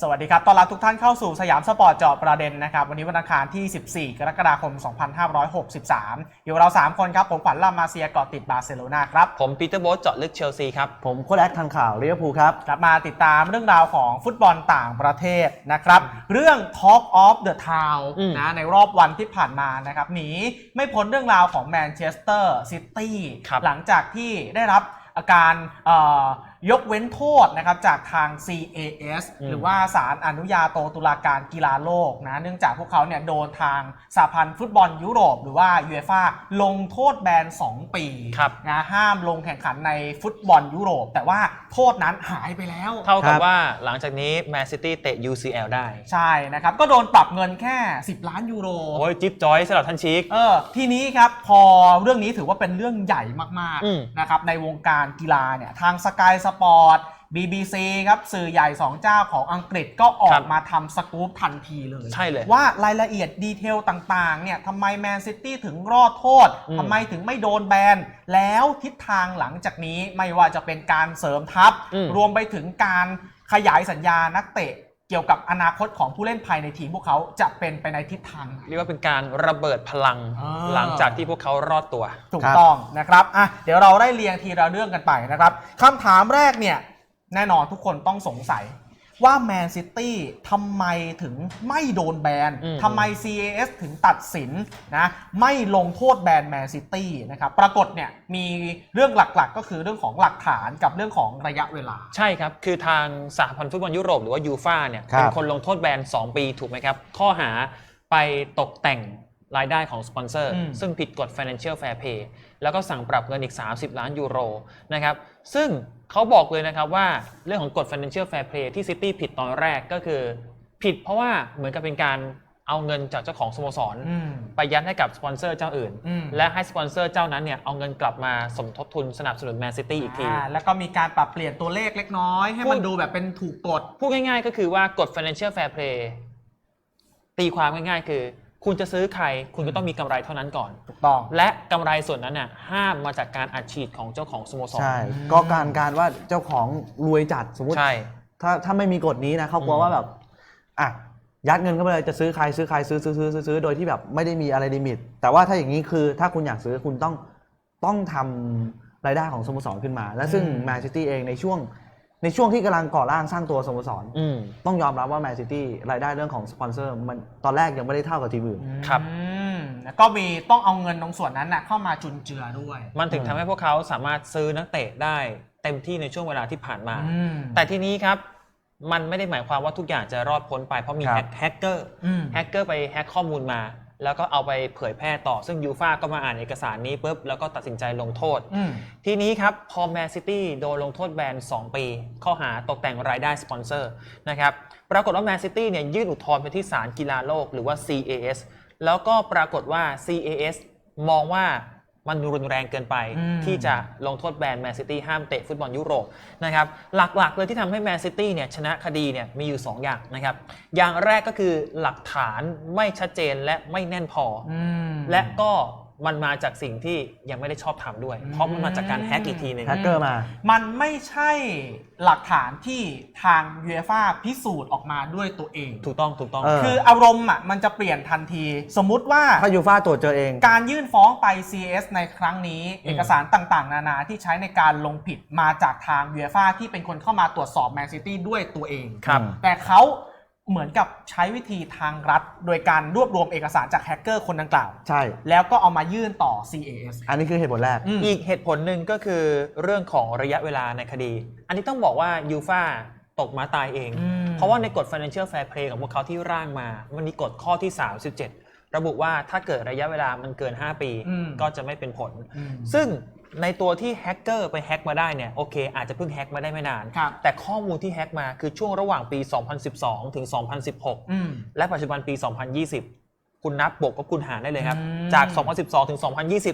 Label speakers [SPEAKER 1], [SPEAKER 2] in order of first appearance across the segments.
[SPEAKER 1] สวัสดีครับต้อนรับทุกท่านเข้าสู่สยามสปอร์ตเจาะประเด็นนะครับวันนี้วันอังคารที่ 14 กรกฎาคม 2563 อยู่เรา 3 คนครับผมขวัญลามาเซียเกาะติดบาร์เซโลนาครับ
[SPEAKER 2] ผมปีเตอร์โบ๊ทเจาะลึกเชลซีครับ
[SPEAKER 3] ผมโค้ชแอคทันข่าวลิเวอร์พูลครับ
[SPEAKER 1] กลับมาติดตามเรื่องราวของฟุตบอลต่างประเทศนะครับเรื่อง Talk of the Town นะในรอบวันที่ผ่านมานะครับหนีไม่พ้นเรื่องราวของแมนเชสเตอร์ซิตี้หลังจากที่ได้รับอาการยกเว้นโทษนะครับจากทาง CAS หรือว่าศาลอนุญาโตตุลาการกีฬาโลกนะเนื่องจากพวกเขาเนี่ยโดนทางสหพันธ์ฟุตบอลยุโรปหรือว่า UEFA ลงโทษแบน2 ปีนะห้ามลงแข่งขันในฟุตบอลยุโรปแต่ว่าโทษนั้นหายไปแล้ว
[SPEAKER 2] เท่ากับว่าหลังจากนี้แมนซิตี้เตะ UCL ได้
[SPEAKER 1] ใช่นะครับก็โดนปรับเงินแค่10 ล้านยูโร
[SPEAKER 2] โอ้ยจิ๊บจอยสำหรับท่านชิค
[SPEAKER 1] ทีนี้ครับพอเรื่องนี้ถือว่าเป็นเรื่องใหญ่มากๆนะครับในวงการกีฬาเนี่ยทาง Sky Sport BBC ครับสื่อใหญ่2เจ้าของอังกฤษก็ออกมาทำสกู๊ปทันทีเลย
[SPEAKER 2] ใช่เลย
[SPEAKER 1] ว่ารายละเอียดดีเทลต่างๆเนี่ยทำไมแมนซิตี้ถึงรอดโทษทำไมถึงไม่โดนแบนแล้วทิศทางหลังจากนี้ไม่ว่าจะเป็นการเสริมทัพรวมไปถึงการขยายสัญญานักเตะเกี่ยวกับอนาคตของผู้เล่นภายในทีมพวกเขาจะเป็นไปในทิศทาง
[SPEAKER 2] เรียกว่าเป็นการระเบิดพลังหลังจากที่พวกเขารอดตัว
[SPEAKER 1] ถูกต้องนะครับเดี๋ยวเราได้เรียงทีละเรื่องกันไปนะครับคำถามแรกเนี่ยแน่นอนทุกคนต้องสงสัยว่าแมนซิตี้ทำไมถึงไม่โดนแบนทำไม CAS ถึงตัดสินนะไม่ลงโทษแบนแมนซิตี้นะครับปรากฏเนี่ยมีเรื่องหลักๆก็คือเรื่องของหลักฐานกับเรื่องของระยะเวลา
[SPEAKER 2] ใช่ครับคือทางสหพันธ์ฟุตบอลยุโรปหรือว่ายูฟ่าเนี่ยเป็นคนลงโทษแบน2 ปีถูกไหมครับข้อหาไปตกแต่งรายได้ของสปอนเซอร์ซึ่งผิดกฎ Financial Fair Play แล้วก็สั่งปรับเงินอีก30 ล้านยูโรนะครับซึ่งเขาบอกเลยนะครับว่าเรื่องของกฎ Financial Fair Play ที่ซิตี้ผิดตอนแรกก็คือผิดเพราะว่าเหมือนกับเป็นการเอาเงินจากเจ้าของสโมสรไปยัดให้กับสปอนเซอร์เจ้าอื่นและให้สปอนเซอร์เจ้านั้นเนี่ยเอาเงินกลับมาสมทบทุนสนับสนุนแมนซิตี้อีกที
[SPEAKER 1] แล้วก็มีการปรับเปลี่ยนตัวเลขเล็กน้อยให้มันดูแบบเป็นถูกกฎ
[SPEAKER 2] พูดง่ายๆก็คือว่ากฎ Financial Fair Play ตีความง่ายๆคือคุณจะซื้อใครคุณก็ต้องมีกำไรเท่านั้นก่อน
[SPEAKER 1] ถูกต้อง
[SPEAKER 2] และกำไรส่วนนั้นน่ะห้ามมาจากการอัดฉีดของเจ้าของสโมสร
[SPEAKER 3] ใช่ก็การว่าเจ้าของรวยจัดสมมติถ้าไม่มีกฎนี้นะเขากลัวว่าแบบยัดเงินเข้าไปเลยจะซื้อใครซื้อโดยที่แบบไม่ได้มีอะไรลิมิตแต่ว่าถ้าอย่างนี้คือถ้าคุณอยากซื้อคุณต้องทำรายได้ของสโมสรขึ้นมาและซึ่งแมนซิตี้เองในช่วงที่กำลังก่อร่างสร้างตัวสโมสรต้องยอมรับว่าแมนซิตี้รายได้เรื่องของสปอนเซอร์มันตอนแรกยังไม่ได้เท่ากับทีมอื่น
[SPEAKER 2] ครับ
[SPEAKER 1] ก็มีต้องเอาเงินตรงส่วนนั้นเข้ามาจุนเจือด้วย
[SPEAKER 2] มันถึงทำให้พวกเขาสามารถซื้อนักเตะได้เต็มที่ในช่วงเวลาที่ผ่านมาแต่ทีนี้ครับมันไม่ได้หมายความว่าทุกอย่างจะรอดพ้นไปเพราะมีแฮกเกอร์ไปแฮกข้อมูลมาแล้วก็เอาไปเผยแพร่ต่อซึ่งยูฟ่าก็มาอ่านเอกสารนี้ปุ๊บแล้วก็ตัดสินใจลงโทษทีนี้ครับพอแมนซิตี้โดนลงโทษแบน2 ปีข้อหาตกแต่งรายได้สปอนเซอร์นะครับปรากฏว่าแมนซิตี้เนี่ยยื่นอุทธรณ์ไปที่ศาลกีฬาโลกหรือว่า CAS แล้วก็ปรากฏว่า CAS มองว่ามันรุนแรงเกินไปที่จะลงโทษแบนแมนซิตี้ห้ามเตะฟุตบอลยุโรปนะครับหลักๆเลยที่ทำให้แมนซิตี้เนี่ยชนะคดีเนี่ยมีอยู่2 อย่างนะครับอย่างแรกก็คือหลักฐานไม่ชัดเจนและไม่แน่นพอและก็มันมาจากสิ่งที่ยังไม่ได้ชอบทำด้วยเพราะมันมาจากการแฮกอีกทีนึง
[SPEAKER 3] แฮกเกอร์มา
[SPEAKER 1] มันไม่ใช่หลักฐานที่ทาง UEFA พิสูจน์ออกมาด้วยตัวเอง
[SPEAKER 2] ถูกต้อง
[SPEAKER 1] คืออารมณ์มันจะเปลี่ยนทันทีสมมุติว่า
[SPEAKER 3] ถ้า UEFA ตรวจเจอเอง
[SPEAKER 1] การยื่นฟ้องไป CAS ในครั้งนี้เอกสารต่างๆนานาที่ใช้ในการลงผิดมาจากทาง UEFA ที่เป็นคนเข้ามาตรวจสอบแมนซิตี้ด้วยตัวเองแต่เขาเหมือนกับใช้วิธีทางรัฐโดยการรวบรวมเอกสารจากแฮกเกอร์คนดังกล่าว
[SPEAKER 3] ใช่
[SPEAKER 1] แล้วก็เอามายื่นต่อ CAS
[SPEAKER 3] อันนี้คือเหตุผลแรก
[SPEAKER 2] อีกเหตุผลหนึ่งก็คือเรื่องของระยะเวลาในคดีอันนี้ต้องบอกว่ายูฟ่าตกม้าตายเองเพราะว่าในกฎ Financial Fair Play ของพวกเขาที่ร่างมามันมีกฎข้อที่37ระบุว่าถ้าเกิดระยะเวลามันเกิน5 ปีก็จะไม่เป็นผลซึ่งในตัวที่แฮกเกอร์ไปแฮกมาได้เนี่ยโอเคอาจจะเพิ่งแฮกมาได้ไม่นานแต่ข้อมูลที่แฮกมาคือช่วงระหว่างปี2012ถึง2016และปัจจุบันปี2020คุณนับบวกกับคุณหารได้เลยครับจาก2012ถึง2020เนี่ย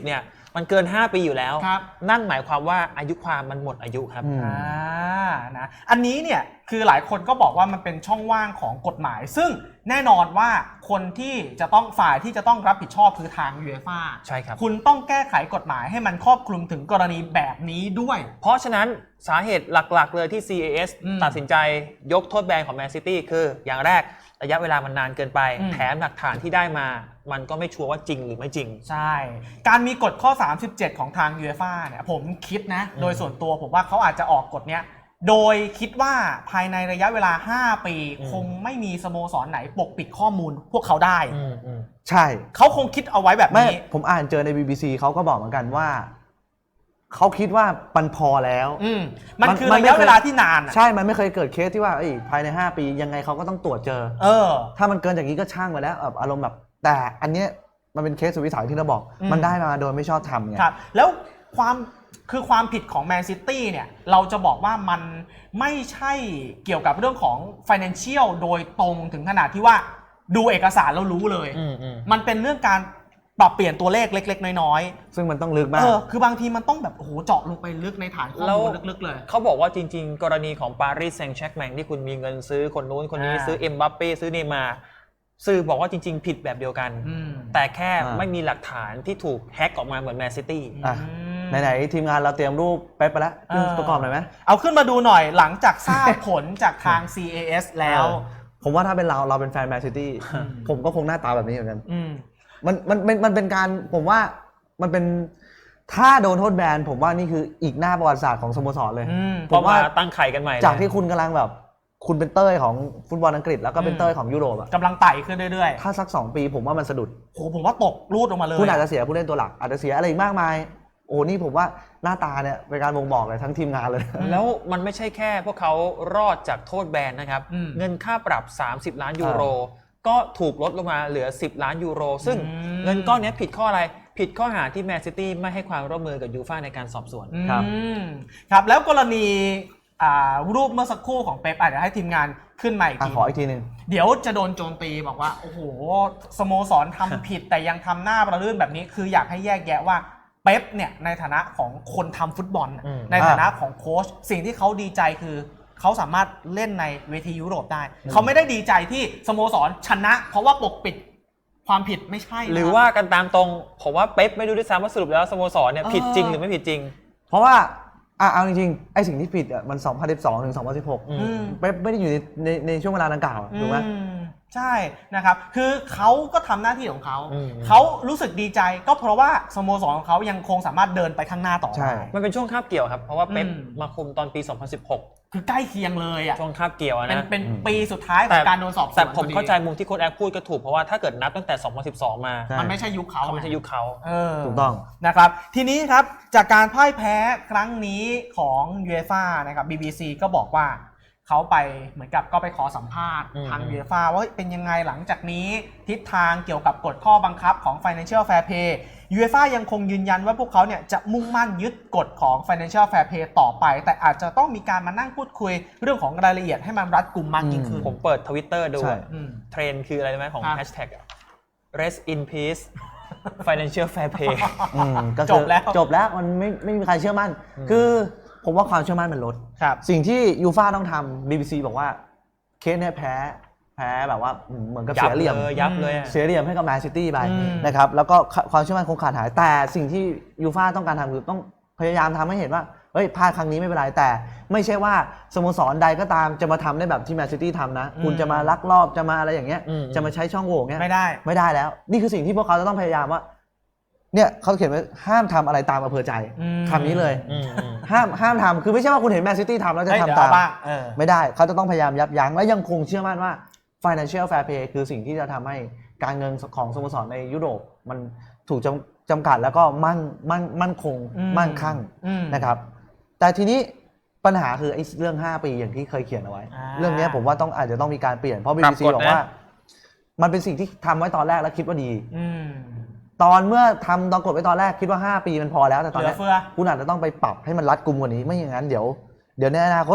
[SPEAKER 2] มันเกิน 5 ปีอยู่แล้ว
[SPEAKER 1] ครับ
[SPEAKER 2] นั่นหมายความว่าอายุความมันหมดอายุครับ
[SPEAKER 1] นะอันนี้เนี่ยคือหลายคนก็บอกว่ามันเป็นช่องว่างของกฎหมาย ซึ่งแน่นอนว่าคนที่จะต้องฝ่ายที่จะต้องรับผิดชอบคือทางยูเอฟ่า
[SPEAKER 2] ใช่ครับ
[SPEAKER 1] คุณต้องแก้ไขกฎหมายให้มันครอบคลุมถึงกรณีแบบนี้ด้วย
[SPEAKER 2] เพราะฉะนั้นสาเหตุหลักๆเลยที่ CAS ตัดสินใจยกโทษแบนของแมนซิตี้คืออย่างแรกระยะเวลามันนานเกินไปแถมหลักฐานที่ได้มามันก็ไม่ชัวร์ว่าจริงหรือไม่จริง
[SPEAKER 1] ใช่การมีกฎข้อ 37 ของทางยูเอฟ่าเนี่ยผมคิดนะโดยส่วนตัวผมว่าเขาอาจจะออกกฎเนี้ยโดยคิดว่าภายในระยะเวลา5 ปีคงไม่มีสโมสรไหนปกปิดข้อมูลพวกเขาได้
[SPEAKER 3] ใช่
[SPEAKER 1] เขาคงคิดเอาไว้แบบนี้
[SPEAKER 3] ผมอ่านเจอใน BBC เขาก็บอกเหมือนกันว่าเขาคิดว่ามันพอแล้ว
[SPEAKER 1] มันคือระยะเวลาที่นาน
[SPEAKER 3] ใช่มันไม่เคยเกิดเคสที่ว่าภายใน5 ปียังไงเขาก็ต้องตรวจเจอถ้ามันเกินจากนี้ก็ช่างไปแล้วอารมณ์แบบแต่อันเนี้ยมันเป็นเคสสุดวิสัยที่เราบอกมันได้มาโดยไม่ชอบทำไง
[SPEAKER 1] ครับแล้วความผิดของแมนซิตี้เนี่ยเราจะบอกว่ามันไม่ใช่เกี่ยวกับเรื่องของ financial โดยตรงถึงขนาดที่ว่าดูเอกสารแล้วรู้เลยมันเป็นเรื่องการปรับเปลี่ยนตัวเลขเล็กๆน้อย
[SPEAKER 3] ๆซึ่งมันต้องลึกมาก
[SPEAKER 1] คือบางทีมันต้องแบบโอ้โหเจาะลงไปลึกในฐานข้อมูลลึกๆเลย
[SPEAKER 2] เขาบอกว่าจริงๆกรณีของปารีสแซงต์แชร์กแมงที่คุณมีเงินซื้อคนนู้นคนนี้ซื้อเอ็มบัปเป้ซื้อเนย์มาร์สื่อบอกว่าจริงๆผิดแบบเดียวกันแต่แค่ไม่มีหลักฐานที่ถูกแฮ็กออกมาเหมือนแมนซิตี้
[SPEAKER 3] ไหนๆทีมงานเราเตรียมรูปไปแล้วประกอบหน่อยไหม
[SPEAKER 1] เอาขึ้นมาดูหน่อยหลังจากทราบผลจากทาง CAS แล้ว
[SPEAKER 3] ผมว่าถ้าเป็นเราเป็นแฟนแมนซิตี้ผมก็คงหน้าตาแบบนี้เหมือนกันมันเป็นการผมว่ามันเป็นถ้าโดนโทษแบนผมว่านี่คืออีกหน้าประวัติศาสตร์ของสโมสรเลย
[SPEAKER 2] ผมว่าตั้งไข่กันใหม่
[SPEAKER 3] จากที่คุณกำลังแบบคุณเป็นเต้ยของฟุตบอลอังกฤษแล้วก็เป็นเต้ยของยุโรป
[SPEAKER 1] กำลังไต่ขึ้นเรื่อย
[SPEAKER 3] ๆถ้าสัก2 ปีผมว่ามันสะดุด
[SPEAKER 1] ผมว่าตกรูดออกมาเลย
[SPEAKER 3] คุณอาจจะเสียผู้เล่นตัวหลักอาจจะเสียอะไรอีกมากมายโอ้นี่ผมว่าหน้าตาเนี่ยเป็นการบ่งบอกเลยทั้งทีมงานเลย
[SPEAKER 2] แล้วมันไม่ใช่แค่พวกเขารอดจากโทษแบนนะครับเงินค่าปรับ30 ล้านยูโรก็ถูกลดลงมาเหลือ10 ล้านยูโรซึ่งเงินก้อนนี้ผิดข้ออะไรผิดข้อหาที่แมนซิตี้ไม่ให้ความร่วมมือกับยูฟ่าในการสอบสวน
[SPEAKER 1] ครับแล้วกรณีรูปเมื่อสักครู่ของเป๊ปอาจจะให้ทีมงานขึ้นมาอีกที
[SPEAKER 3] ขออีกทีนึง
[SPEAKER 1] เดี๋ยวจะโดนโจมตีบอกว่าโอ้โหสโมสรทำผิดแต่ยังทำหน้าประลื่นแบบนี้คืออยากให้แยกแยะว่าเป๊ปเนี่ยในฐานะของคนทำฟุตบอลในฐานะของโค้ชสิ่งที่เขาดีใจคือเขาสามารถเล่นในเวทียุโรปได้เขาไม่ได้ดีใจที่สโมสรชนะเพราะว่าปกปิดความผิดไม่ใช่
[SPEAKER 2] หรือว่ากันตามตรงผมว่าเป๊ปไม่รู้ด้วยซ้ำว่าสรุปแล้วสโมสรเนี่ยผิดจริงหรือไม่ผิดจริง
[SPEAKER 3] เพราะว่าเอาจริงๆไอ้สิ่งที่ผิดอ่ะมัน2012ถึง2016เป๊ปไม่ได้อยู่ในช่วงเวลาดังกล่าวถูกไหม
[SPEAKER 1] ใช่นะครับคือเขาก็ทำหน้าที่ของเขารู้สึกดีใจก็เพราะว่าสโมสรของเขายังคงสามารถเดินไปข้างหน้าต่อได้
[SPEAKER 2] มันเป็นช่วงคาบเกี่ยวครับเพราะว่าเป๊ปมาคุมตอนปี 2016
[SPEAKER 1] คือใกล้เคียงเลยอ่ะ
[SPEAKER 2] ช่วงคาบเกี่ยวนะ
[SPEAKER 1] เป็นปีสุดท้ายของการโดนสอบสวน
[SPEAKER 2] แต่ผมเข้าใจมุมที่โค้ชแอคพูดก็ถูกเพราะว่าถ้าเกิดนับตั้งแต่2012มา
[SPEAKER 1] มันไม่ใช่ยุคเขา
[SPEAKER 2] ไม่ใช่ยุคเขา
[SPEAKER 3] ถูกต้อง
[SPEAKER 1] นะครับทีนี้ครับจากการพ่ายแพ้ครั้งนี้ของยูเอฟ่านะครับ BBC ก็บอกว่าเขาไปเหมือนกับก็ไปขอสัมภาษณ์ทางยูเอฟ่าว่าเป็นยังไงหลังจากนี้ทิศทางเกี่ยวกับกฎข้อบังคับของ Financial Fair Play ยูเอฟ่ายังคงยืนยันว่าพวกเขาเนี่ยจะมุ่งมั่นยึดกฎของ Financial Fair Play ต่อไปแต่อาจจะต้องมีการมานั่งพูดคุยเรื่องของรายละเอียดให้มันรัดกุมมากยิ่งขึ้น
[SPEAKER 2] ผมเปิด Twitter ดูเทรนด์คืออะไรรู้ไหมของ Hashtag Rest in Peace Financial Fair Play
[SPEAKER 1] จบ
[SPEAKER 3] แล้วมันไม่มีใครเชื่อมั่นคือผมว่าความเชื่อมั่นมันลดสิ่งที่ยูฟ่าต้องทำ BBC บอกว่าเคสเนี่ยแพ้แบบว่าเหมือนกับเสียเหลี่ยม
[SPEAKER 2] ยับเลย
[SPEAKER 3] เสียเหลี่ยมให้กับแมนซิตี้ไปนะครับแล้วก็ความเชื่อมั่นคงขาดหายแต่สิ่งที่ยูฟ่าต้องการทำคือต้องพยายามทำให้เห็นว่าเฮ้ยพลาดครั้งนี้ไม่เป็นไรแต่ไม่ใช่ว่าสโมสรใดก็ตามจะมาทำได้แบบที่แมนซิตี้ทำนะคุณจะมาลักลอบจะมาอะไรอย่างเงี้ยจะมาใช้ช่องโหว่เงี้ย
[SPEAKER 1] ไม่
[SPEAKER 3] ได้แล้วนี่คือสิ่งที่พวกเขาจะต้องพยายามว่าเนี่ยเขาเขียนไว้ห้ามทำอะไรตามอำเภอใจคำนี้เลยห้ามทำคือไม่ใช่ว่าคุณเห็นแมนซิตี้ทำแล้วจะทำตามไม่ได้เขาจะต้องพยายามยับยั้งและยังคงเชื่อมั่นว่า Financial Fair Play คือสิ่งที่จะทำให้การเงินของสโมสรในยุโรปมันถูกจำกัดแล้วก็มั่นคงมั่นคั่งนะครับแต่ทีนี้ปัญหาคือไอ้เรื่อง5 ปีอย่างที่เคยเขียนเอาไว้เรื่องนี้ผมว่าอาจจะต้องมีการเปลี่ยนเพราะ BBC บอกว่ามันเป็นสิ่งที่ทำไว้ตอนแรกแล้วคิดว่าดีตอนเมื่อทำตอนกดไว้ตอนแรกคิดว่า5 ปีมันพอแล้วแต่ตอนนี้คุณอาจจะต้องไปปรับให้มันรัดกุมกว่านี้ไม่อย่างนั้นเดี๋ยวในอนาคต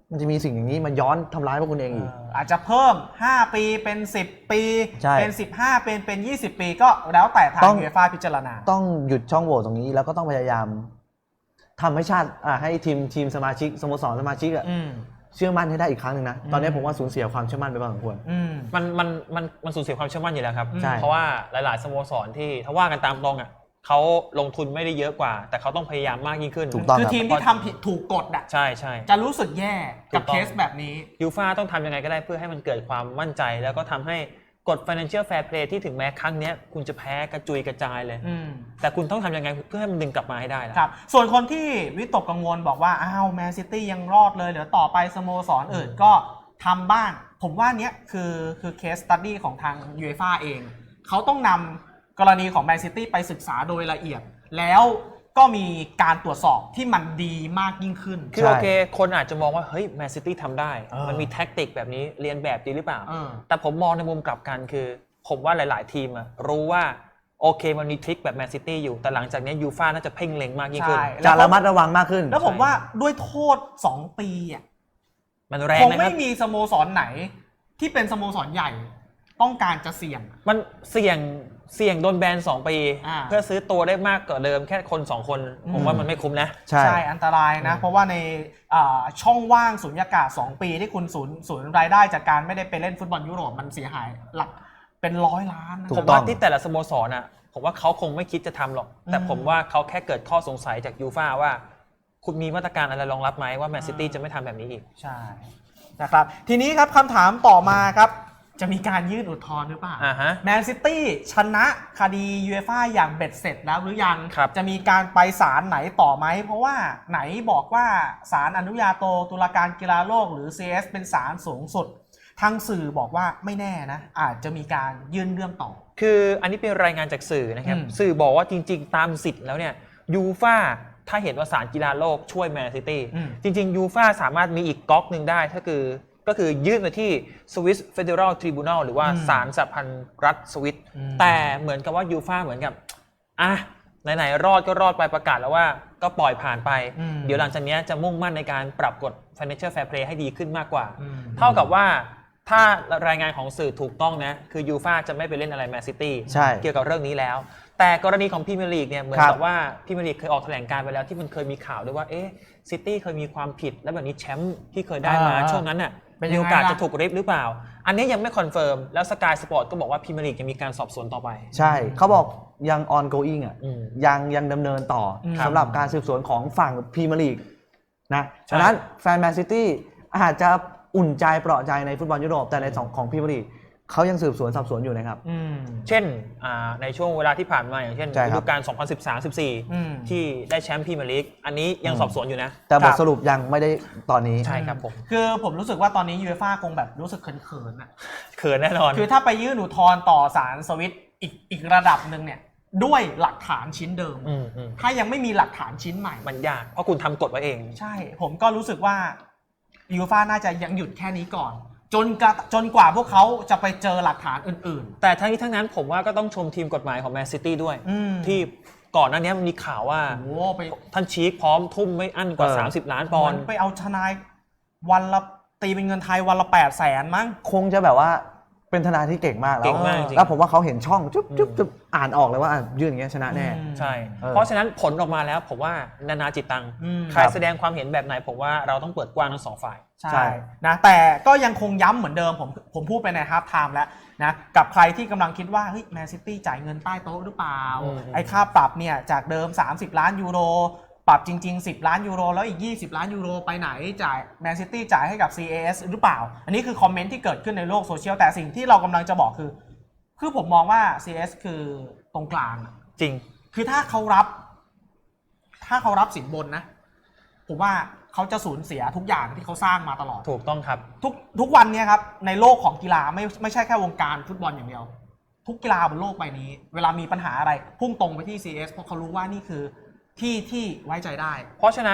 [SPEAKER 3] มันจะมีสิ่งอย่างนี้มาย้อนทำร้ายพวกคุณเองอีก
[SPEAKER 1] อาจจะเพิ่ม5 ปีเป็น10 ปี
[SPEAKER 3] ใช่
[SPEAKER 1] เป็น15เป็น20 ปีก็แล้วแต่ทาง
[SPEAKER 3] ต้อง
[SPEAKER 1] ยูเอฟ่าพิจารณา
[SPEAKER 3] ต้องหยุดช่องโหว่ตรงนี้แล้วก็ต้องพยายามทำให้ชาติให้ทีมสมาชิกสโมสรสมาชิกเชื่อมั่นให้ได้อีกครั้งหนึ่งนะตอนนี้ผมว่าสูญเสียความเชื่อมั่นไปพอสมควร
[SPEAKER 2] มันสูญเสียความเชื่อมั่นอยู่แล้วครับ
[SPEAKER 3] ใช่
[SPEAKER 2] เพราะว่าหลายๆสโมสรที่ถ้าว่ากันตามตรงอ่ะเขาลงทุนไม่ได้เยอะกว่า แต่เขาต้องพยายามมากยิ่งขึ้น
[SPEAKER 3] ถูกต้อง
[SPEAKER 1] คือ
[SPEAKER 3] ครับ
[SPEAKER 1] ทีมที่ทำผิดถูกกฎอ่ะ
[SPEAKER 2] ใช่ใช่
[SPEAKER 1] จะรู้สึกแย่กับ
[SPEAKER 2] ถูกต้อง
[SPEAKER 1] เคสแบบนี้
[SPEAKER 2] ยูฟ่าต้องทำยังไงก็ได้เพื่อให้มันเกิดความมั่นใจ แล้วก็ทำให้กฎ financial fair play ที่ถึงแม้ครั้งนี้คุณจะแพ้กระจุยกระจายเลย แต่คุณต้องทำยังไงเพื่อให้มันดึงกลับมาให้ได้ล่ะ
[SPEAKER 1] ครับส่วนคนที่วิตกกังวลบอกว่าอ้าวแมนซิตี้ยังรอดเลยเดี๋ยวต่อไปสโมสรอื่นก็ทำบ้างผมว่าเนี้ยคือเคสสตัดดี้ของทางยูเอฟ่าเองเขาต้องนำกรณีของแมนซิตี้ไปศึกษาโดยละเอียด แล้วก็มีการตรวจสอบที่มันดีมากยิ่งขึ้น
[SPEAKER 2] คือโอเคคนอาจจะมองว่าเฮ้ยแมนซิตี้ทำได้
[SPEAKER 1] เออ
[SPEAKER 2] มันมีแท็กติกแบบนี้เรียนแบบดีหรือเปล่า
[SPEAKER 1] เออ
[SPEAKER 2] แต่ผมมองในมุมกลับกันคือ ผมว่าหลาย ๆ ทีมอะรู้ว่าโอเคมันมีทริคแบบแมนซิตี้อยู่แต่หลังจากนี้ยูฟ่าน่าจะเพ่งเล็งมากยิ่งขึ้น
[SPEAKER 1] ใช่
[SPEAKER 3] จะระมัดระวังมากขึ้น
[SPEAKER 1] แล้วผมว่าด้วยโทษ2 ปีอ่ะ
[SPEAKER 2] มันแรง
[SPEAKER 1] คง
[SPEAKER 2] นะค
[SPEAKER 1] ไม่
[SPEAKER 2] รับ
[SPEAKER 1] มีสโมสรไหนที่เป็นสโมสรใหญ่ต้องการจะเสี่ยง
[SPEAKER 2] มันเสี่ยงโดนแบน2 ปี เพื่อซื้อตัวได้มากกว่าเดิมแค่คน2 คน ผมว่ามันไม่คุ้มนะ
[SPEAKER 3] ใช่
[SPEAKER 1] อันตรายนะ เพราะว่าในช่องว่างสุญญากาศ2 ปีที่คุณสูญรายได้จากการไม่ได้ไปเล่นฟุตบอลยุโรปมันเสียหายหลักเป็น100 ล้านนะ
[SPEAKER 3] ถู
[SPEAKER 2] ผ
[SPEAKER 3] ก
[SPEAKER 2] ม
[SPEAKER 3] ต้อ
[SPEAKER 2] ว่าง ที่แต่ละสโมสรน่ะผมว่าเขาคงไม่คิดจะทำหรอก แต่ผมว่าเขาแค่เกิดข้อสงสัยจากยูฟ่าว่าคุณมีมาตรการอะไรรองรับไหมว่าแมนซิตี้จะไม่ทำแบบนี้อีก
[SPEAKER 1] ใช่นะครับทีนี้ครับคำถามต่อมาครับจะมีการยื่นอุทธรณ์หรือเปล่า
[SPEAKER 2] ฮะ
[SPEAKER 1] แมนซิตี้ชนะคดียูเอฟ่าอย่างเบ็ดเสร็จแล้วหรือยัง
[SPEAKER 2] ครับ
[SPEAKER 1] จะมีการไปศาลไหนต่อไหมเพราะว่าไหนบอกว่าศาลอนุญาโตตุลาการกีฬาโลกหรือ CS เป็นศาลสูงสุดทางสื่อบอกว่าไม่แน่นะอาจจะมีการยื่นเรื่องต่อ
[SPEAKER 2] คืออันนี้เป็นรายงานจากสื่อนะครับ สื่อบอกว่าจริงๆ ตามสิทธิ์แล้วเนี่ยยูฟ่าถ้าเห็นว่าศาลกีฬาโลกช่วยแมนซิตี้จริงๆยูฟ่าสามารถมีอีกก๊อกหนึ่งได้ก็คือยื่นไปที่ Swiss Federal Tribunal หรือว่าศาลสหพันธ์รัฐสวิสแต่เหมือนกับว่ายูฟ่าเหมือนกับไหนๆรอดก็รอดไปประกาศแล้วว่าก็ปล่อยผ่านไปเดี๋ยวหลังจากนี้จะมุ่งมั่นในการปรับกฎ Financial Fair Play ให้ดีขึ้นมากกว่าเท่ากับว่าถ้ารายงานของสื่อถูกต้องนะคือยูฟ่าจะไม่ไปเล่นอะไรแมนซิตี้เกี่ยวกับเรื่องนี้แล้วแต่กรณีของพรีเมียร์ลีกเนี่ยเหมือนกับว่าพรีเมียร์ลีกเคยออกแถลงการณ์ไปแล้วที่มันเคยมีข่าวด้วยว่าซิตี้เคยมีความผิดแล้วแบบนี้แชมป์ที่เคยได้มาช่วงนั้นน่ะมีโอกาสจะถูกริบหรือเปล่าอันนี้ยังไม่คอนเฟิร์มแล้วสกายสปอร์ตก็บอกว่าพรีเมียร์ลีกยังมีการสอบสวนต่อไป
[SPEAKER 3] ใช่เขาบอกยัง ongoing ยังดำเนินต่อสำหรับการสืบสวนของฝั่งพรีเมียร์ลีกนะฉะนั้นแฟนแมนซิตี้อาจจะอุ่นใจเปราะใจในฟุตบอลยุโรปแต่ในของพรีเมียร์ลีกเขายังสืบสวนสอบสวนอยู่นะครับ
[SPEAKER 2] เช่นในช่วงเวลาที่ผ่านมาอย่างเช่นฤดูกาล 2013-14 ที่ได้แชมป์พรีเมียร์ลีกอันนี้ยังสอบสวนอยู่นะ
[SPEAKER 3] แต่บทสรุปยังไม่ได้ตอนนี้
[SPEAKER 2] ใช่ครับผม
[SPEAKER 1] คือผมรู้สึกว่าตอนนี้ยูเอฟ่าคงแบบรู้สึกเขินๆอ่ะ
[SPEAKER 2] เขินแน่นอน
[SPEAKER 1] คือถ้าไปยื่นอุทธรณ์ต่อศาลสวิตอีกระดับหนึ่งเนี่ยด้วยหลักฐานชิ้นเดิมถ้ายังไม่มีหลักฐานชิ้นใหม่
[SPEAKER 2] มันยากเพราะคุณทำกฎไว้เอง
[SPEAKER 1] ใช่ผมก็รู้สึกว่ายูฟ่าน่าจะยังหยุดแค่นี้ก่อนจนกว่าพวกเขาจะไปเจอหลักฐานอื่น
[SPEAKER 2] ๆแต่ทั้งนี้ทั้งนั้นผมว่าก็ต้องชมทีมกฎหมายของแมนซิตี้ด้วยที่ก่อนหน้านี้มันมีข่าวว่าท่านชีคพร้อมทุ่มไม่อั้นกว่า30 ล้านปอนด์
[SPEAKER 1] ไปเอาทนายวันละตีเป็นเงินไทยวันละ800,000มั้ง
[SPEAKER 3] คงจะแบบว่าเป็นทนายที่เก่งมากแล้วผมว่าเขาเห็นช่องจุ๊บอ่านออกเลยว่ายื่นอย่างเงี้ยชนะแน่
[SPEAKER 2] ใช่เพราะฉะนั้นผลออกมาแล้วผมว่านานาจิตตังใครแสดงความเห็นแบบไหนผมว่าเราต้องเปิดกว้างทั้ง2 ฝ่าย
[SPEAKER 1] ใช่นะแต่ก็ยังคงย้ำเหมือนเดิมผมพูดไปในฮาล์ฟไทม์แล้วนะกับใครที่กำลังคิดว่าเฮ้ยแมนซิตี้จ่ายเงินใต้โต๊ะหรือเปล่าไอ้ค่าปรับเนี่ยจากเดิม30 ล้านยูโรปรับจริงๆ10 ล้านยูโรแล้วอีก20 ล้านยูโรไปไหนจ่ายแมนซิตี้จ่ายให้กับ CAS หรือเปล่าอันนี้คือคอมเมนต์ที่เกิดขึ้นในโลกโซเชียลแต่สิ่งที่เรากำลังจะบอกคือผมมองว่า CAS คือตรงกลาง
[SPEAKER 2] จริง
[SPEAKER 1] คือถ้าเขารับสินบนนะผมว่าเขาจะสูญเสียทุกอย่างที่เขาสร้างมาตลอด
[SPEAKER 2] ถูกต้องครับ
[SPEAKER 1] ทุกวันนี้ครับในโลกของกีฬาไม่ใช่แค่วงการฟุตบอลอย่างเดียวทุกกีฬาบนโลกใบนี้เวลามีปัญหาอะไรพุ่งตรงไปที่ CS เพราะเขารู้ว่านี่คือที่ไว้ใจได้
[SPEAKER 2] เพราะฉะนั้น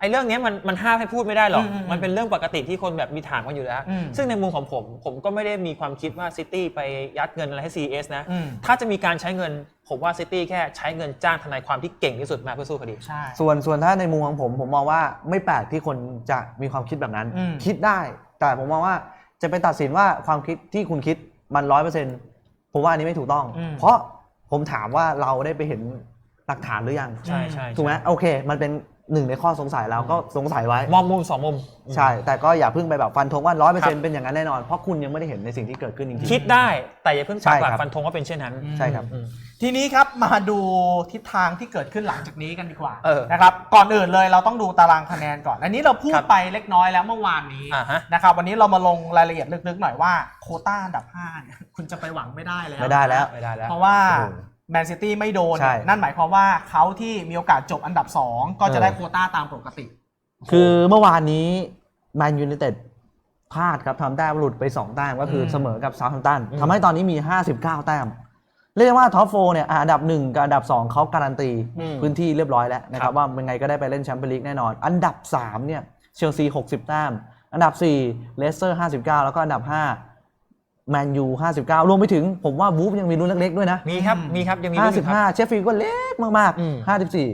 [SPEAKER 2] ไอ้เรื่องนี้มันห้ามให้พูดไม่ได้หรอกมันเป็นเรื่องปกติที่คนแบบมีถามกันอยู่แล้วซึ่งในมุมของผมก็ไม่ได้มีความคิดว่าซิตี้ไปยัดเงินอะไรให้ CS นะถ้าจะมีการใช้เงินผมว่าซิตี้แค่ใช้เงินจ้างทนายความที่เก่งที่สุดมาเพื่อสู้คดี
[SPEAKER 1] ใช่
[SPEAKER 3] ส่วนถ้าในมุมของผมมองว่าไม่แปลกที่คนจะมีความคิดแบบนั้นคิดได้แต่ผมมองว่าจะไปตัดสินว่าความคิดที่คุณคิดมัน 100% ผมว่าอันนี้ไม่ถูกต้องเพราะผมถามว่าเราได้ไปเห็นหลักฐานหรือยัง
[SPEAKER 2] ใช่
[SPEAKER 3] ถูกไหมโอเคมันเป็นหนึ่งในข้อสงสัยแล้วก็สงสัยไว้
[SPEAKER 2] มองมุม2 มุม
[SPEAKER 3] ใช่แต่ก็อย่าเพิ่งไปแบบฟันธงว่า 100% เป็นอย่างนั้นแน่นอนเพราะคุณยังไม่ได้เห็นในสิ่งที่เกิดขึ้นจริง
[SPEAKER 2] ๆคิดได้แต่อย่าเพิ่งปักหลักฟันธงว่าเป็นเช่นนั้น
[SPEAKER 3] ใช่ครับ
[SPEAKER 1] ทีนี้ครับมาดูทิศทางที่เกิดขึ้นหลังจากนี้กันดีกว่านะครับก่อนอื่นเลยเราต้องดูตารางคะแนนก่อนอันนี้เราพูดไปเล็กน้อยแล้วเมื่อวานนี้นะครับวันนี้เรามาลงรายละเอียดลึกๆหน่อยว่าโควต้าอันดับ5เนี่ยคุณจะไปหวังไม่ได้แล้วเพราะว่าแมนซิตี้ไม่โดนนั่นหมายความว่าเขาที่มีโอกาสจบอันดับ2ก็จะได้โควต้าตามปกติ
[SPEAKER 3] คือเมื่อวานนี้แมนยูไนเต็ดพลาดครับทำแต้มหลุดไป2แต้มก็คือเสมอกับเซาท์แฮมป์ตันทำให้ตอนนี้มี59แต้มเรียกว่าท็อป4เนี่ยอันดับ1กับอันดับ2เขาการันตีพื้นที่เรียบร้อยแล้วนะครับว่าเป็นไงก็ได้ไปเล่นแชมเปี้ยนลีกแน่นอนอันดับ3เนี่ยเชลซี60แต้มอันดับ4เลสเตอร์59แล้วก็อันดับ5แมนยู59รวมไปถึงผมว่าวูฟยังมีรุ่นเล็กๆด้วยนะ
[SPEAKER 2] มีครับยังมี
[SPEAKER 3] 55เชฟฟิลด์ก็เล็กมากๆ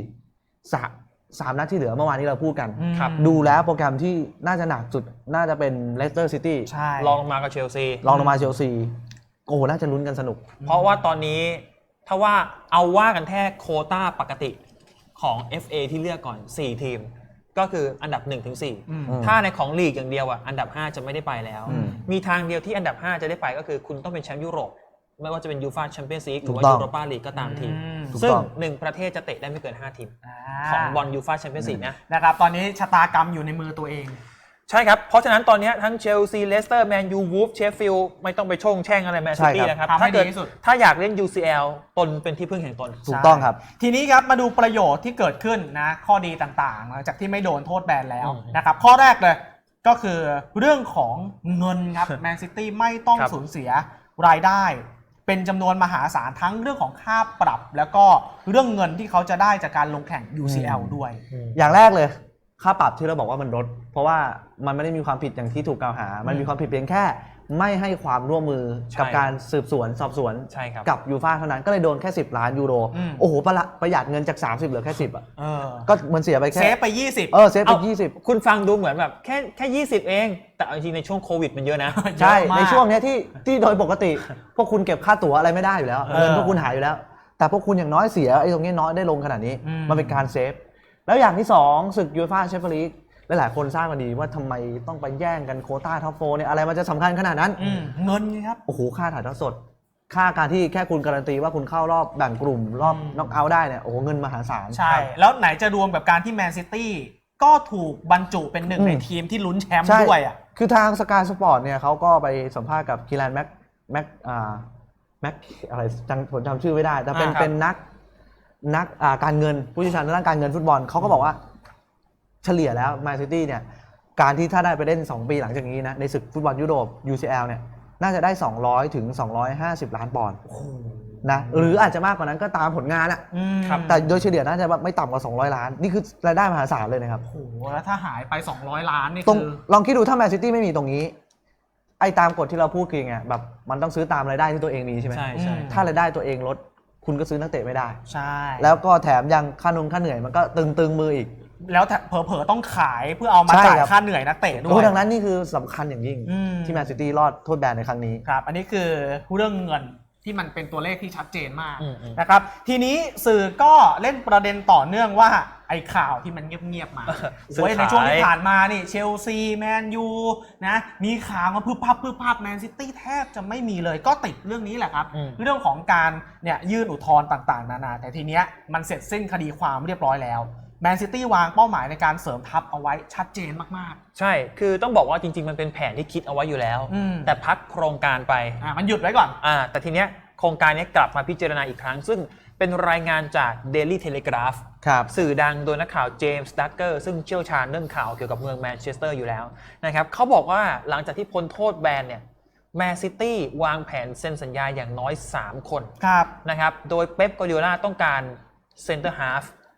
[SPEAKER 3] 54 3นัดที่เหลือเมื่อวานนี้เราพูดกันดูแล้วโปรแกรมที่น่าจะหนักสุดน่าจะเป็นเลสเตอร์ซิตี้
[SPEAKER 2] ลองลงมากับเชลซี
[SPEAKER 3] โอ้น่าจะลุ้นกันสนุก
[SPEAKER 2] เพราะว่าตอนนี้ถ้าว่าเอาว่ากันแค่โควต้าปกติของ FA ที่เลือกก่อน4ทีมก็คืออันดับ 1-4 ถ้าในของลีกอย่างเดียวอ่ะอันดับ5จะไม่ได้ไปแล้วมีทางเดียวที่อันดับ5จะได้ไปก็คือคุณต้องเป็นแชมป์ยุโรปไม่ว่าจะเป็นยูฟ่าแชมเปี้ยนส์ลีกหรือว่ายูโรปาลีกก็ตามทีมซึ่ง1ประเทศจะเตะได้ไม่เกิน5ทีมของบอลยูฟ่าแชมเปี้ยนส์ลีก
[SPEAKER 1] นะครับตอนนี้ชะตากรรมอยู่ในมือตัวเอง
[SPEAKER 2] ใช่ครับเพราะฉะนั้นตอนนี้ทั้งเชลซีเลสเตอร์แมนยูวูฟเชฟฟิลด์ไม่ต้องไปช่งแช่งอะไรแมนซิตี้นะครับถ้าอยากเล่น UCL ตนเป็นที่พึ่งแห่งตน
[SPEAKER 3] ถูกต้องครับ
[SPEAKER 1] ทีนี้ครับมาดูประโยชน์ที่เกิดขึ้นนะข้อดีต่างๆหลังจากที่ไม่โดนโทษแบนแล้วนะครับข้อแรกเลยก็คือเรื่องของเงินครับแมนซิตี้ไม่ต้องสูญเสียรายได้เป็นจำนวนมหาศาลทั้งเรื่องของค่าปรับแล้วก็เรื่องเงินที่เขาจะได้จากการลงแข่ง UCL ด้วย
[SPEAKER 3] อย่างแรกเลยค่าปรับที่เราบอกว่ามันลดเพราะว่ามันไม่ได้มีความผิดอย่างที่ถูกกล่าวหามันมีความผิดเพียงแค่ไม่ให้ความร่วมมือกับการสืบสวนสอบสวนกับยูฟ่าเท่านั้นก็เลยโดนแค่10 ล้านยูโรโอ้โหประหยัดเงินจาก30เหลือแค่10อ่ะก็มันเสียไปแค่
[SPEAKER 1] เซฟไป20
[SPEAKER 3] เซฟไป20
[SPEAKER 2] คุณฟังดูเหมือนแบบแค่20เองแต่จริงในช่วงโควิดมันเยอะนะ
[SPEAKER 3] ใช่ในช่วงนี้ที่โดยปกติพวกคุณเก็บค่าตั๋วอะไรไม่ได้อยู่แล้วเงินพวกคุณหายอยู่แล้วแต่พวกคุณอย่างน้อยเสียไอ้ตรงนี้น้อยได้ลงขนาดนี้มันเป็นการเซฟแล้วอย่างที่2ศึกยูฟ่าแชมเปี้ยนลีกหลายคนทราบกันดีว่าทำไมต้องไปแย่งกันโควต้าท็อป4เนี่ยอะไรมันจะสำคัญขนาดนั้น
[SPEAKER 1] เงินครับ
[SPEAKER 3] โอ้โหค่าถ่ายทอดสดค่าการที่แค่คุณการันตีว่าคุณเข้ารอบแบ่งกลุ่มรอบน็อกเอาท์ได้เนี่ยโอ้โหเงินมหาศาล
[SPEAKER 1] ใช่แล้วไหนจะรวมกับการที่แมนซิตี้ก็ถูกบรรจุเป็นหนึ่งในทีมที่ลุ้นแชมป์ด้วยอ่ะ
[SPEAKER 3] คือทางสกายสปอร์ตเนี่ยเขาก็ไปสัมภาษณ์กับคีแลนแม็กอะไรผมจำชื่อไม่ได้แต่เป็นนักการเงินผู้เชี่ยวชาญด้านการเงินฟุตบอลเขาก็บอกว่าเฉลี่ยแล้วแมนซิตี้เนี่ยการที่ถ้าได้ไปเล่น2ปีหลังจากนี้นะในศึกฟุตบอลยุโรป UCL เนี่ยน่าจะได้200ถึง250ล้านปอนด์นะหรืออาจจะมากกว่านั้นก็ตามผลงานอะแต่โดยเฉลี่ยน่าจะไม่ต่ำกว่า200ล้านนี่คือรายได้มหาศาลเลยนะครับ
[SPEAKER 1] โอ้โหแล้วถ้าหายไป200ล้านนี่
[SPEAKER 3] คือลองคิดดูถ้าแมนซิตี้ไม่มีตรงนี้ไอ้ตามกฎที่เราพูดคือไงแบบมันต้องซื้อตามรายได้ที่ตัวเองมีใช่ไหม
[SPEAKER 2] ใช่
[SPEAKER 3] ถ้ารายได้ตัวเองลดคุณก็ซื้อนักเตะไม่ได้
[SPEAKER 1] ใช่
[SPEAKER 3] แล้วก็แถมยังค่าเหนื่อยมันก็ตึงมืออีก
[SPEAKER 1] แล้วเผลอๆต้องขายเพื่อเอามาจ่ายค่าเหนื่อยนักเตะด้วย
[SPEAKER 3] ดังนั้นนี่คือสำคัญอย่างยิ่งที่แมนซิตี้รอดโทษแบนในครั้งนี้
[SPEAKER 1] ครับอันนี้คือเรื่องเงินที่มันเป็นตัวเลขที่ชัดเจนมากนะครับทีนี้สื่อก็เล่นประเด็นต่อเนื่องว่าไอ้ข่าวที่มันเงียบๆมาในช่วงที่ผ่านมานี่เชลซีแมนยูนะมีข่าวมาพึบพับแมนซิตี้แทบจะไม่มีเลยก็ติดเรื่องนี้แหละครับเรื่องของการเนี่ยยื่นอุทธรณ์ต่างๆนานาแต่ทีเนี้ยมันเสร็จสิ้นคดีความเรียบร้อยแล้วแมนซิตี้วางเป้าหมายในการเสริมทัพเอาไว้ชัดเจนมาก
[SPEAKER 2] ๆใช่คือต้องบอกว่าจริงๆมันเป็นแผนที่คิดเอาไว้อยู่แล้วแต่พักโครงการไป
[SPEAKER 1] มันหยุดไว้ก่อน
[SPEAKER 2] แต่ทีเนี้ยโครงการนี้กลับมาพิจารณาอีกครั้งซึ่งเป็นรายงานจาก Daily Telegraph สื่อดังโดยนักข่าวเจมส์ดักเกอร์ซึ่งเชี่ยวชาญเรื่องข่าวเกี่ยวกับเมืองแมนเชสเตอร์อยู่แล้วนะครับเขาบอกว่าหลังจากที่พ้นโทษแบนเนี่ยแมนซิตี้วางแผนเซ็นสัญญาอย่างน้อย3คนนะครับโดยเป๊ป กวาร์ดิโอลาต้องการเซนเตอร์ฮาล์ฟ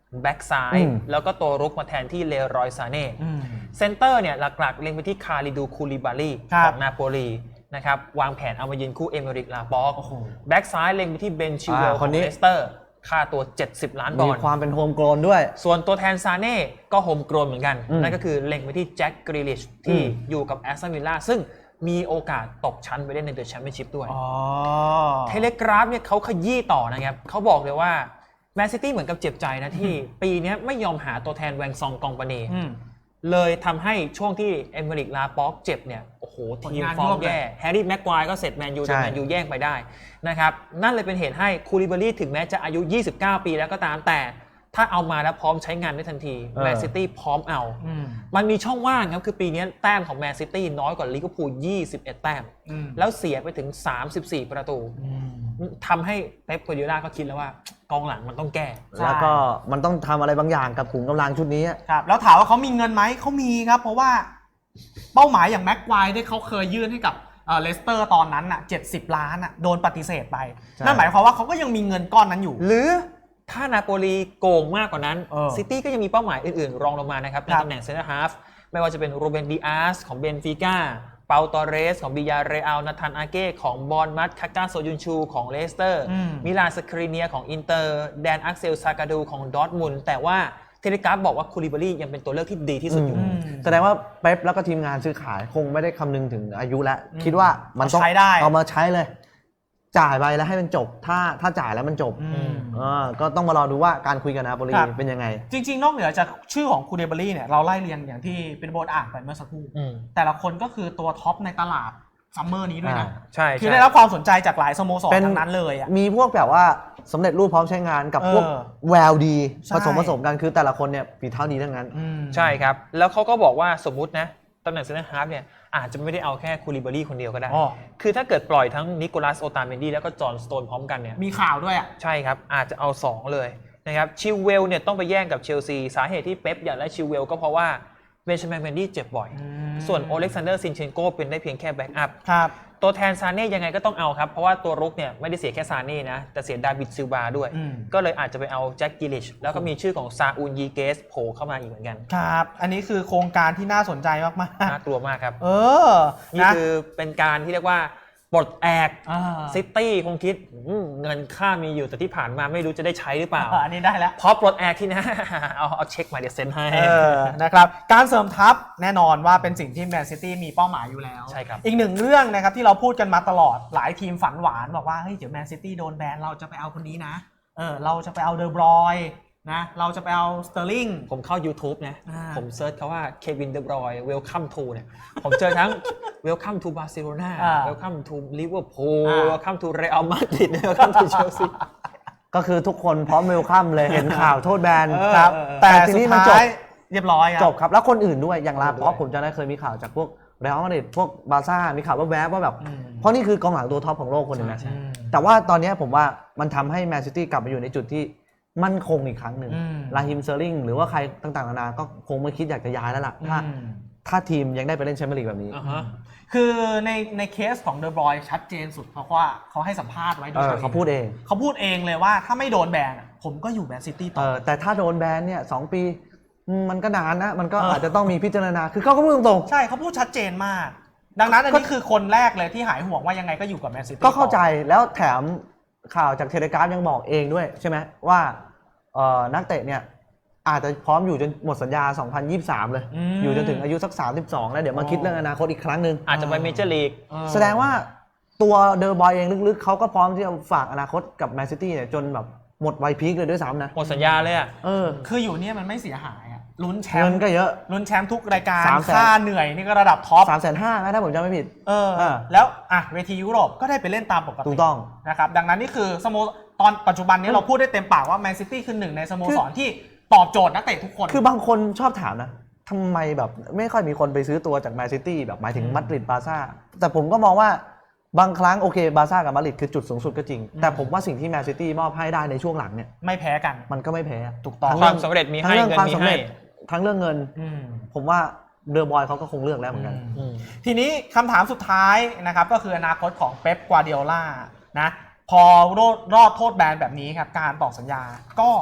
[SPEAKER 2] แบ็กซ้ายแล้วก็ตัวรุกมาแทนที่เลรอยซาเน่เซนเตอร์เนี่ยหลักๆเล็งไปที่คาริดูคูลิบาลีของนาโปลีนะครับวางแผนเอามายืนคู่เอเมริกลาปอกแบ็กซ้ายเล็งไปที่เบนชิเวลของเลสเตอร์ค่าตัว70 ล้านปอนด์
[SPEAKER 3] มีความเป็นโฮมโกลนด้วย
[SPEAKER 2] ส่วนตัวแทนซาเน่ก็โฮมโกลนเหมือนกันนั่นก็คือเล็งไปที่แจ็คกรีลิชที่อยู่กับแอสตันวิลล่าซึ่งมีโอกาสตกชั้นไปเล่นในเดอะแชมเปี้ยนชิพด้วยเทเลกราฟเนี่ยเขาขยี้ต่อนะครับเขาบอกเลยว่าแมนซิตี้เหมือนกับเจ็บใจนะที่ปีนี้ไม่ยอมหาตัวแทนแวงซองกองปาเน่เลยทำให้ช่วงที่เอเมริกลาป็อกเจ็บเนี่ยโอ้โหทีมฟอร์มแย่แฮร์รี่แม็กควายก็เสร็จแมนยูแต่แมนยูแย่งไปได้นะครับนั่นเลยเป็นเหตุให้คูลิบาลีถึงแม้จะอายุ 29 ปีแล้วก็ตามแต่ถ้าเอามาแล้วพร้อมใช้งานได้ทันทีแมนซิตี้พร้อมเอามันมีช่องว่างครับคือปีนี้แต้มของแมนซิตี้น้อยกว่าลิเวอร์พูล21 แต้มแล้วเสียไปถึง34 ประตูทำให้เป๊ป กัวร์ดิโอลาก็คิดแล้วว่ากองหลังมันต้องแก้
[SPEAKER 3] แล้วก็มันต้องทำอะไรบางอย่างกับขุมกำลังชุดนี้
[SPEAKER 1] ครับแล้วถามว่าเขามีเงินไหมเขามีครับเพราะว่าเป้าหมายอย่างแม็กควายที่เขาเคยยื่นให้กับเลสเตอร์ตอนนั้นน่ะ70 ล้านน่ะโดนปฏิเสธไปนั่นหมายความว่าเขาก็ยังมีเงินก้อนนั้นอยู่
[SPEAKER 2] หรือถ้านาโปลีโกงมากกว่านั้นซิตี้ก็ยังมีเป้าหมายอื่นๆรองลงมานะครับในตำแหน่งเซนเตอร์ฮาฟไม่ว่าจะเป็นโรเบนดิอาสของเบนฟิก้าเปาตอเรสของบิยาเรอัลนาธานอาเก้ของบอร์นมัธคาก้าโซยุนชูของเลสเตอร์มิลานสครีเนียของอินเตอร์แดนอักเซลซากาดูของดอร์ทมุนด์แต่ว่าเทเลกราฟบอกว่าคูลิบาลียังเป็นตัวเลือกที่ดีที่สุดอยู่
[SPEAKER 3] แสดงว่าเป๊ปแล้วก็ทีมงานซื้อขายคงไม่ได้คำนึงถึงอายุแล้วคิดว่ามันต้องเอามาใช้เลยจ่ายไปแล้วให้มันจบถ้าจ่ายแล้วมันจบก็ต้องมารอดูว่าการคุยกับนาโปลีเป็นยังไง
[SPEAKER 1] จริงๆนอกเหนือจากชื่อของคูเดบารีเนี่ยเราไล่เรียงอย่างที่เป็นโบนอ่านไปเมื่อสักครู่แต่ละคนก็คือตัวท็อปในตลาดซัมเมอร์นี้ด้วยนะ
[SPEAKER 2] ใช่
[SPEAKER 1] คือได้รับความสนใจจากหลายสโมสรทั้งนั้นเลย
[SPEAKER 3] มีพวกแบบว่าสำเร็จรูปพร้อมใช้งานกับพวกแววดีผสมกันคือแต่ละคนเนี่ยฝีเท้าดีทั้งนั้น
[SPEAKER 2] ใช่ครับแล้วเขาก็บอกว่าสมมุตินะตำแหน่งเซนเตอร์ฮาล์ฟเนี่ยอาจจะไม่ได้เอาแค่คูลิบาลีคนเดียวก็ได้คือถ้าเกิดปล่อยทั้งนิโคลัสโอตาเมนดี้แล้วก็จอห์นสโตนพร้อมกันเนี่ย
[SPEAKER 1] มีข่าวด้วย
[SPEAKER 2] ใช่ครับอาจจะเอา2เลยนะครับชิลเวลเนี่ยต้องไปแย่งกับเชลซีสาเหตุที่เป๊ปอยากได้ชิลเวลก็เพราะว่าเบนจามินเมนดี้เจ็บบ่อยส่วนโอเล็กซานเดอร์ซินเชนโกเป็นได้เพียงแค่แบ็กอัพตัวแทนซาเน่ยังไงก็ต้องเอาครับเพราะว่าตัวรุกเนี่ยไม่ได้เสียแค่ซาเน่นะแต่เสียดาวิดซิลวาด้วยก็เลยอาจจะไปเอาแจ็คกิลิชแล้วก็มีชื่อของซาอูนยีเกสโผล่เข้ามาอีกเหมือนกัน
[SPEAKER 1] ครับอันนี้คือโครงการที่น่าสนใจมาก
[SPEAKER 2] ๆน่ากลัวมากครับนี่คือเป็นการที่เรียกว่าปลดแอกซิตี้คงคิดเงินค่ามีอยู่แต่ที่ผ่านมาไม่รู้จะได้ใช้หรือเปล่า
[SPEAKER 1] อันนี้ได้แล้ว
[SPEAKER 2] พอปลดแอกที่นะเอาเช็คมาเดี๋ยวเซ็นให้
[SPEAKER 1] นะครับการเสริมทัพแน่นอนว่าเป็นสิ่งที่แมนซิตี้มีเป้าหมายอยู่แล้ว
[SPEAKER 2] ใช่ครับ
[SPEAKER 1] อีกหนึ่งเรื่องนะครับที่เราพูดกันมาตลอดหลายทีมฝันหวานบอกว่าเฮ้ยเดี๋ยวแมนซิตี้โดนแบนเราจะไปเอาคนนี้นะเราจะไปเอาเดอบรอยนะเราจะไปเอาสเตอร์ลิง
[SPEAKER 2] ผมเข้า YouTube นะผมเซิร์ชคำว่าเควินเดอบรอยเวลคัมทูเนี่ยผมเจอทั้งเวลคัมทูบาร์เซโลนาเวลคัมทูลิเวอร์พูลเวลคัมทูเรอัลมาดริดเวลคัมทูเชลซี
[SPEAKER 3] ก็คือทุกคนพร้อมเวลคัมเลยเห็นข่าวโทษแบน
[SPEAKER 1] ครับแต่ทีนี้มันจบเรียบร้อย
[SPEAKER 3] จบครับแล้วคนอื่นด้วยอย่างลาป๊อกผมจะได้เคยมีข่าวจากพวกเรอัลมาดริดพวกบาร์ซ่ามีข่าวว่าแวบว่าแบบเพราะนี่คือกองหลังตัวท็อปของโลกคนนึงนะแต่ว่าตอนนี้ผมว่ามันทำให้แมนซิตี้กลับมาอยู่ในจุดที่มั่นคงอีกครั้งหนึ่งลาฮิมเซอร์ลิงหรือว่าใครต่างๆนานาก็คงไม่คิดอยากจะย้ายแล้วล่ะถ้าทีมยังได้ไปเล่นแชมเปี้ยนลีกแบบนี้
[SPEAKER 1] คือในเคสของเดอบรอยชัดเจนสุดเพราะว่าเขาให้สัมภาษณ์ไว้โดย
[SPEAKER 3] เขาพูดเอง
[SPEAKER 1] เลยว่าถ้าไม่โดนแบนผมก็อยู่แมนซิตี้ต่อ
[SPEAKER 3] แต่ถ้าโดนแบนเนี่ย2 ปีมันก็นานนะมันก็อาจจะต้องมีพิจารณาคือเขาก็พูดตรง
[SPEAKER 1] ๆใช่เขาพูดชัดเจนมากดังนั้นอันนี้คือคนแรกเลยที่หายห่วงว่ายังไงก็อยู่กับแมนซิตี้
[SPEAKER 3] ก็เข้าใจแล้วแถมข่าวจากเทเลกราฟยังบอกเองด้วยใช่ไหมว่านักเตะเนี่ยอาจจะพร้อมอยู่จนหมดสัญญา2023เลยอยู่จนถึงอายุสัก32แล้วเดี๋ยวมาคิดเรื่องอนาคตอีกครั้งนึง
[SPEAKER 2] อาจจะไปเมเจอร์ลีก
[SPEAKER 3] แสดงว่าตัวเดอร์บอยเองลึกๆเขาก็พร้อมที่จะฝากอนาคตกับแมนซิตี้เนี่ยจนแบบหมดวัยพีคเลยด้วยซ้ำนะ
[SPEAKER 2] หมดสัญญาเลย
[SPEAKER 1] คืออยู่เนี่ยมันไม่เสียหายลุ้นแชมป์
[SPEAKER 3] เงินก็เยอะ
[SPEAKER 1] ลุ้นแชมป์ทุกรายการค่าเหนื่อยนี่ก็ระดับท็อป
[SPEAKER 3] 350,000นะถ้าผมจำไม่ผิด
[SPEAKER 1] แล้วเวทียุโรปก็ได้ไปเล่นตามปกติ
[SPEAKER 3] ถูกต้อง
[SPEAKER 1] นะครับดังนั้นนี่คือสโมตอนปัจจุบันนี้เราพูดได้เต็มปากว่าแมนซิตี้คือหนึ่งในสโมสรที่ตอบโจทย์นักเตะทุกคน
[SPEAKER 3] คือบางคนชอบถามนะทำไมแบบไม่ค่อยมีคนไปซื้อตัวจากแมนซิตี้แบบหมายถึงมาดริดบาร์ซ่าแต่ผมก็มองว่าบางครั้งโอเคบาร์ซ่ากับมาดริดคือจุดสูงสุดก็จริงแต่ผมว่าสิ่งที่แมนซิตี้มอบให้ได้ในช่วงหลังเนี่ย
[SPEAKER 1] ไม่แพ้กัน
[SPEAKER 3] มันก็ไม่แพ้
[SPEAKER 1] ถูกต้อง
[SPEAKER 2] ความสำเร็จมีให้เงินมีให้
[SPEAKER 3] ทั้งเรื่องเงินผมว่าเดอร์บอยเขาก็คงเลือกแล้วเหมือนกัน
[SPEAKER 1] ทีนี้คำถามสุดท้ายนะครับก็คืออนาคตของเป๊ป กัวร์ดิโอลานะพอรอดโทษแบนแบบนี้ครับการต่อสัญญาก็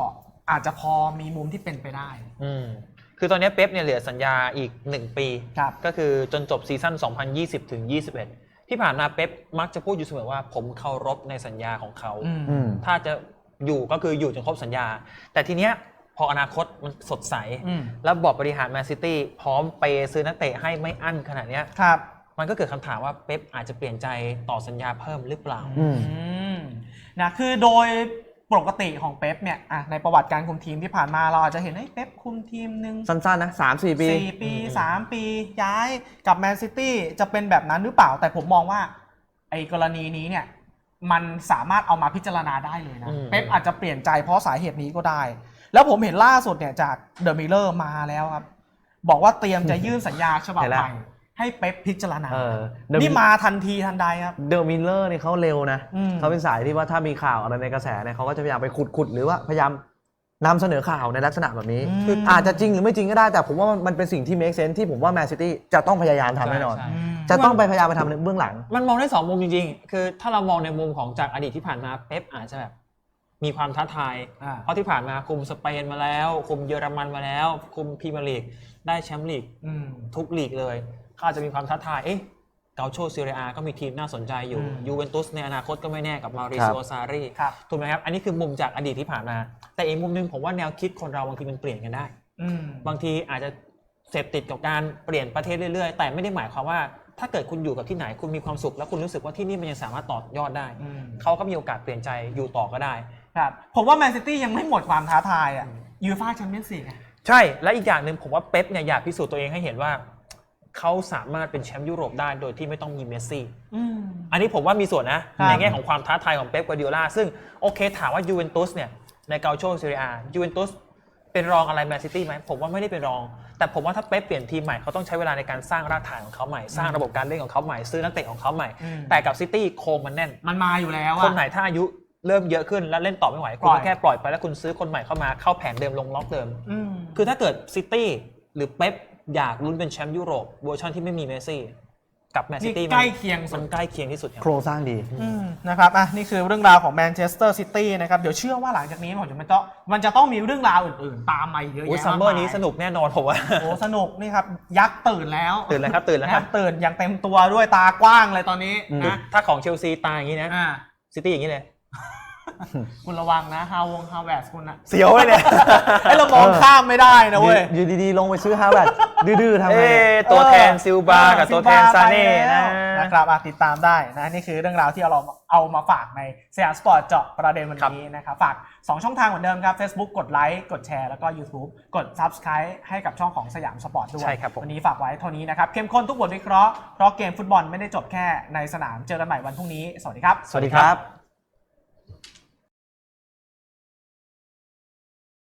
[SPEAKER 1] อาจจะพอมีมุมที่เป็นไปได้
[SPEAKER 2] คือตอนนี้เป๊ปเนี่ยเหลือสัญญาอีก1 ปีก็คือจนจบซีซั่น2020 ถึง 21ที่ผ่านมาเป๊ปมักจะพูดอยู่เสมอว่าผมเคารพในสัญญาของเขาถ้าจะอยู่ก็คืออยู่จนครบสัญญาแต่ทีเนี้ยพออนาคตมันสดใสแล้วบอร์ดบริหารแมนซิตี้พร้อมไปซื้อนักเตะให้ไม่อั้นขนาดเนี้ยมันก็เกิดคำถามว่าเป๊ปอาจจะเปลี่ยนใจต่อสัญญาเพิ่มหรือเปล่า
[SPEAKER 1] นะคือโดยปกติของเป๊ปเนี่ยในประวัติการคุมทีมที่ผ่านมาเราอาจจะเห็นเป๊ปคุมทีมนึง
[SPEAKER 3] สั้นๆนะ 3-4 ปี
[SPEAKER 1] 4 ปี 3 ปีย้ายกับแมนซิตี้จะเป็นแบบนั้นหรือเปล่าแต่ผมมองว่าไอ้กรณีนี้เนี่ยมันสามารถเอามาพิจารณาได้เลยนะเป๊ปอาจจะเปลี่ยนใจเพราะสาเหตุนี้ก็ได้แล้วผมเห็นล่าสุดเนี่ยจากเดอะมิลเลอร์มาแล้วครับบอกว่าเตรียมจะยื่นสัญญาฉบับใหม่ให้เป๊ปพิจารณานี่มาทันทีทันใดครับ
[SPEAKER 3] เดอะมิลเลอร์นี่เขาเร็วนะเขาเป็นสายที่ว่าถ้ามีข่าวอะไรในกระแสเนี่ยเขาก็จะพยายามไปขุดหรือว่าพยายามนำเสนอข่าวในลักษณะแบบนี้อาจจะจริงหรือไม่จริงก็ได้แต่ผมว่ามันเป็นสิ่งที่ make sense ที่ผมว่าแมนซิตี้จะต้องพยายามทำแน่นอนจะต้องไปพยายามไปทำในเบื้องหลัง
[SPEAKER 2] มันมองได้2 มุมจริงๆคือถ้าเรามองในมุมของจากอดีตที่ผ่านมาเป๊ปอาจจะแบบมีความท้าทายเพราะที่ผ่านมาคุมสเปนมาแล้วคุมเยอรมันมาแล้วคุมพรีเมียร์ลีกได้แชมป์ลีกทุกลีกเลยเขาอาจจะมีความท้าทายเกาโชซีเรียก็มีทีมน่าสนใจอยู่ยูเวนตุสในอนาคตก็ไม่แน่กับมาริซิโอซารีถูกไหมครับอันนี้คือมุมจากอดีตที่ผ่านมาแต่อีกมุมนึงผมว่าแนวคิดคนเราบางทีมันเปลี่ยนกันได้บางทีอาจจะเสพติดกับการเปลี่ยนประเทศเรื่อยๆแต่ไม่ได้หมายความว่าถ้าเกิดคุณอยู่กับที่ไหนคุณมีความสุขแล้วคุณรู้สึกว่าที่นี่มันยังสามารถต่อยอดได้เขาก็มีโอกาสเปลี่ยนใจอยู่ต่อก็ได้
[SPEAKER 1] ครับผมว่าแมนซิตี้ยังไม่หมดความท้าทายยูฟ่าแชมเปี้ยนส์ลีก
[SPEAKER 2] ใช่และอีกอย่างหนึ่งผมว่าเป๊ปเนี่ยอยากพิสูจน์ตัวเองให้เห็นว่าเขาสามารถเป็นแชมป์ยุโรปได้โดยที่ไม่ต้องมีเมสซี่อันนี้ผมว่ามีส่วนนะในแง่ของความท้าทายของเป๊ป กวาร์ดิโอลาซึ่งโอเคถามว่ายูเวนตุสเนี่ยในเกาโชซีเรียยูเวนตุสเป็นรองอะไรแมนซิตี้ไหมผมว่าไม่ได้เป็นรองแต่ผมว่าถ้าเป๊ปเปลี่ยนทีมใหม่เขาต้องใช้เวลาในการสร้างรากฐานของเขาใหม่สร้างระบบการเล่นของเขาใหม่ซื้อนักเตะของเขาใหม่แต่กับซิตี้โครงมันแน่น
[SPEAKER 1] มันมาอยู่แล้ว
[SPEAKER 2] คนไหนถ้าอายุเริ่มเยอะขึ้นและเล่นต่อไม่ไหวคุณก็แค่ปล่อยไปแล้วคุณซื้อคนใหม่เข้ามาเข้าแผนเดิมลงล็อกเดิมคือถ้าเกิดซิตี้หรือเป๊ปอยากลุ้นเป็นแชมป์ยุโรปเวอร์ชันที่ไม่มีเมสซี่กับแมนซิตี้
[SPEAKER 1] ใกล้เคียง
[SPEAKER 2] มันใกล้เคียงที่สุด
[SPEAKER 3] โครงสร้างดี
[SPEAKER 1] นะครับนี่คือเรื่องราวของแมนเชสเตอร์ซิตี้นะครับเดี๋ยวเชื่อว่าหลังจากนี้มันจะต้องมีเรื่องราวอื่นๆตามมาเยอะแยะมากมาย
[SPEAKER 2] ซัมเมอร์นี้สนุกแน่นอนผมว่า
[SPEAKER 1] สนุกนี่ครับยักษ์ตื่นแล้ว
[SPEAKER 2] ครับตื่น
[SPEAKER 1] อย่างเต็มตัวด้วยตากว้างเลยตอนนี้นะ
[SPEAKER 2] ถ้าของเชลซีตาอย่างนี้นะซิตี้อย่างนี้เลย
[SPEAKER 1] คุณระวังนะฮาวแวร์สคุณ
[SPEAKER 2] เสียวเลยเนี่ย
[SPEAKER 1] ให้เรามองข้ามไม่ได้นะเว้ย
[SPEAKER 3] อยู่ดีๆลงไปซื้อฮาวแวร์ดื้อๆทำไม
[SPEAKER 2] ตัวแทนซิลบากับตัวแทนซาเน่
[SPEAKER 1] นะครับติดตามได้นะนี่คือเรื่องราวที่เราเอามาฝากในสยามสปอร์ตเจาะประเด็นวันนี้นะครับฝาก2ช่องทางเหมือนเดิมครับ Facebook กดไลค์กดแชร์แล้วก็ YouTube กด Subscribe ให้กับช่องของสยามสปอร์ตด้วยวันนี้ฝากไว้เท่านี้นะครับเข้มข้นทุกบทวิเคราะห์เพราะเกมฟุตบอลไม่ได้จบแค่ในสนามเจอกันใหม่วันพรุ่งนี้สวัสดีครับ
[SPEAKER 3] สวัสดีครับ